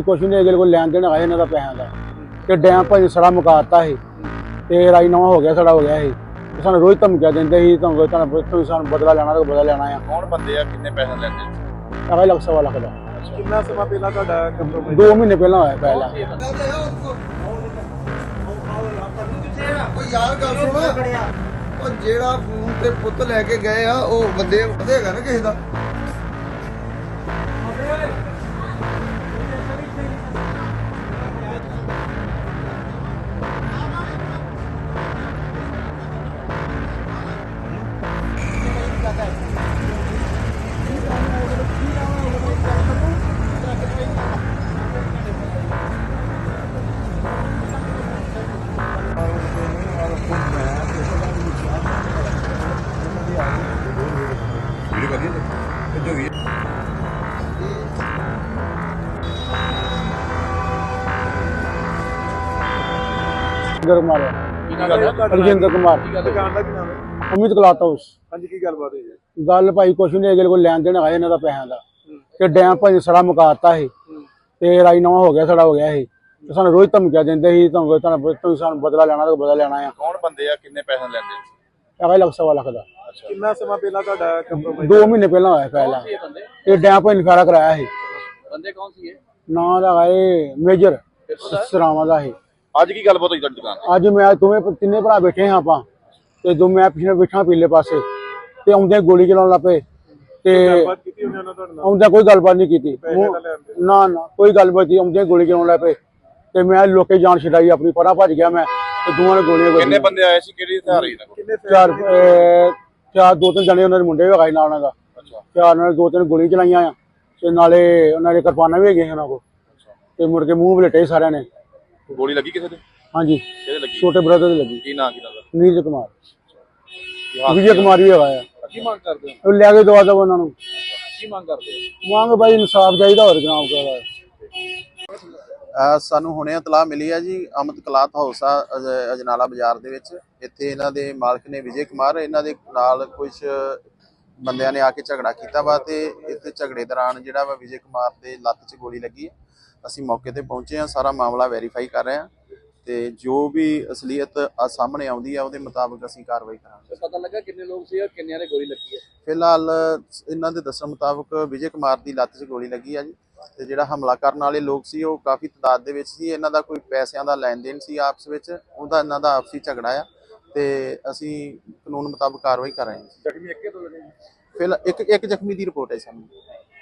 कुछ नहीं अगले कोई लैन देन है इन्हों का पैसों का तो डैम भाई सड़ा मुकाता है तो राजीनामा हो गया सड़ा हो गया है सानू रोज धमकियां देंदे ही तुम सानू बदला लेना तो बदला लेना है कौन बंदे आ किन्ने पैसे लेंदे अगले लख सवा लख का कितना समा पहला ਤੁਹਾਡਾ ਕੰਪਰੋਮਾਈਜ਼ 2 महीने पहला होया पहला यार गल सुन जेड़ा फोन ते पुत लेके गए आ ओ बंदे देगा ना किसी दा रजिंदर कुमार ਦੁਕਾਨ ਦਾ ਕੀ ਨਾਮ ਹੈ अमित क्लॉथ हाउस ਹਾਂਜੀ ਕੀ ਗੱਲਬਾਤ ਹੋਈ ਹੈ गल भाई कुछ नहीं अगले कोई लैन देन है इन्हों का पैसों का तो डैम भाई सड़ा मुकाता है तो राजीनामा हो गया सड़ा हो गया है तो सानू रोज धमकियां देंदे ही तुम सानू बदला लेना तो बदला लेना है कौन बंदे आ किन्ने पैसे लेंदे अगले लख सवा लख का ਕਿੰਨਾ ਸਮਾਂ ਪਹਿਲਾਂ ਤੁਹਾਡਾ ਕੰਪਰੋਮਾਈਜ਼ 2 महीने पहला होया पहला ये डैम भाई ने सारा कराया है बंदे कौन सी है ना लगा मेजर सरावां का है आज की गलबात होई ਤੁਹਾਡੀ ਦੁਕਾਨ ਅੱਜ ਮੈਂ ਦੋਵੇਂ ਤਿੰਨੇ ਭਰਾ ਬੈਠੇ ਹਾਂ ਆਪਾਂ ਤੇ ਦੋ ਮੈਂ ਪਿੱਛੇ ਬੈਠਾ ਪੀਲੇ ਪਾਸੇ ਤੇ ਆਉਂਦੇ ਗੋਲੀ ਚਲਾਉਣ ਲੱਪੇ ਤੇ ਗੱਲਬਾਤ ਕੀਤੀ ਉਹਨੇ ਉਹਨਾਂ ਤੁਹਾਡੇ ਨਾਲ ਆਉਂਦਾ ਕੋਈ ਗੱਲਬਾਤ ਨਹੀਂ ਕੀਤੀ ਪੈਸੇ ਤਾਂ ਲੈਂਦੇ ਨਾ ਨਾ ਕੋਈ ਗੱਲਬਾਤ ਨਹੀਂ ਆਉਂਦੇ ਗੋਲੀ ਚਲਾਉਣ ਲੱਪੇ ਤੇ ਮੈਂ ਲੋਕੇ ਜਾਨ ਛਡਾਈ ਆਪਣੀ ਪਰਾਂ ਭੱਜ ਗਿਆ ਮੈਂ ਤੇ ਦੋਵਾਂ ਨੇ ਗੋਲੀਆਂ ਕਿੰਨੇ ਵੱਜੀਆਂ ਬੰਦੇ ਆਏ ਸੀ ਕਿਹੜੀ ਹਥਿਆਰ ਸੀ ਨਾਲ ਕਿੰਨੇ ਚਾਰ ਦੋ ਤਿੰਨ ਜਣੇ ਉਹਨਾਂ ਦੇ ਮੁੰਡੇ ਵਗਾਈ ਨਾਲ ਉਹਨਾਂ ਦਾ ਅੱਛਾ ਚਾਰ ਨਾਲ ਦੋ ਤਿੰਨ ਗੋਲੀ ਚਲਾਈਆਂ ਆ ਤੇ ਨਾਲੇ ਉਹਨਾਂ ਦੇ ਕਿਰਪਾਨਾਂ ਵੀ ਹੈਗੀਆਂ ਉਹਨਾਂ ਕੋਲ ਤੇ ਮੁੜ ਕੇ ਮੂੰਹ ਵਲੇਟੇ ਸਾਰਿਆਂ ਨੇ ਗੋਲੀ ਲੱਗੀ ਕਿਸੇ ਦੇ ਹਾਂਜੀ ਕਿਹਦੇ ਲੱਗੀ ਛੋਟੇ ਬ੍ਰਦਰ ਦੇ ਲੱਗੀ ਕੀ ਨਾਂ ਕੀ ਨਾਲ ਨੀਰਜ ਕੁਮਾਰ ਵਿਜੇ ਕੁਮਾਰ ਵੀ ਹੈਗਾ ਆ ਕੀ ਮੰਗ ਕਰਦੇ ਹੋ ਉਹ ਲੈ ਕੇ ਦਵਾ ਦਵਾ ਉਹਨਾਂ ਨੂੰ ਕੀ ਮੰਗ ਕਰਦੇ ਹੋ ਮੰਗ ਬਾਈ ਇਨਸਾਫ ਚਾਹੀਦਾ ਹੋਰ ਜਨਾਬ ਕਰਦਾ ਸਾਨੂੰ ਹੁਣੇ ਇਤਲਾਹ ਮਿਲੀ ਹੈ ਜੀ ਅਮਿਤ ਕਲਾਥ ਹਾਊਸ ਆ ਅਜਨਾਲਾ ਬਾਜ਼ਾਰ ਦੇ ਵਿੱਚ। ਇੱਥੇ ਇਹਨਾਂ ਦੇ ਮਾਲਕ ਨੇ ਵਿਜੇ ਕੁਮਾਰ, ਇਹਨਾਂ ਦੇ ਨਾਲ ਕੁਝ ਬੰਦਿਆਂ ਨੇ ਆ ਕੇ ਝਗੜਾ ਕੀਤਾ ਵਾ ਤੇ ਇੱਥੇ ਝਗੜੇ ਦੌਰਾਨ ਜਿਹੜਾ ਵਾ ਵਿਜੇ ਕੁਮਾਰ ਦੇ ਲੱਤ 'ਚ ਗੋਲੀ ਲੱਗੀ ਹੈ। ਅਸੀਂ ਮੌਕੇ ਤੇ ਪਹੁੰਚੇ ਹਾਂ, ਸਾਰਾ ਮਾਮਲਾ ਵੈਰੀਫਾਈ ਕਰ ਰਹੇ ਹਾਂ ਤੇ ਜੋ ਵੀ ਅਸਲੀਅਤ ਸਾਹਮਣੇ ਆਉਂਦੀ ਆ ਉਹਦੇ ਮੁਤਾਬਕ ਅਸੀਂ ਕਾਰਵਾਈ ਕਰਾਂਗੇ। ਪਤਾ ਲੱਗਾ ਕਿੰਨੇ ਲੋਕ ਸੀ ਔਰ ਕਿੰਨਿਆਂ ਨੇ ਗੋਲੀ ਲੱਗੀ ਹੈ? ਫਿਲਹਾਲ ਇਹਨਾਂ ਦੇ ਦੱਸਣ ਮੁਤਾਬਕ ਵਿਜੇ ਕੁਮਾਰ ਦੀ ਲੱਤ 'ਚ ਗੋਲੀ ਲੱਗੀ ਆ ਜੀ ਤੇ ਜਿਹੜਾ ਹਮਲਾ ਕਰਨ ਵਾਲੇ ਲੋਕ ਸੀ ਉਹ ਕਾਫੀ ਤਾਦਾਦ ਦੇ ਵਿੱਚ ਸੀ। ਇਹਨਾਂ ਦਾ ਕੋਈ ਪੈਸਿਆਂ ਦਾ ਲੈਣ ਦੇਣ ਸੀ ਆਪਸ ਵਿੱਚ, ਉਹਦਾ ਇਹਨਾਂ ਦਾ ਆਪਸੀ ਝਗੜਾ ਆ ਤੇ ਅਸੀਂ ਕਾਨੂੰਨ ਮੁਤਾਬਕ ਕਾਰਵਾਈ ਕਰ ਰਹੇ ਹਾਂ। ਜ਼ਖਮੀ ਇੱਕੇ ਦੋ ਜਣੇ? ਫਿਲਹਾਲ ਇੱਕ ਜ਼ਖਮੀ ਦੀ ਰਿਪੋਰਟ ਹੈ ਸਾਨੂੰ।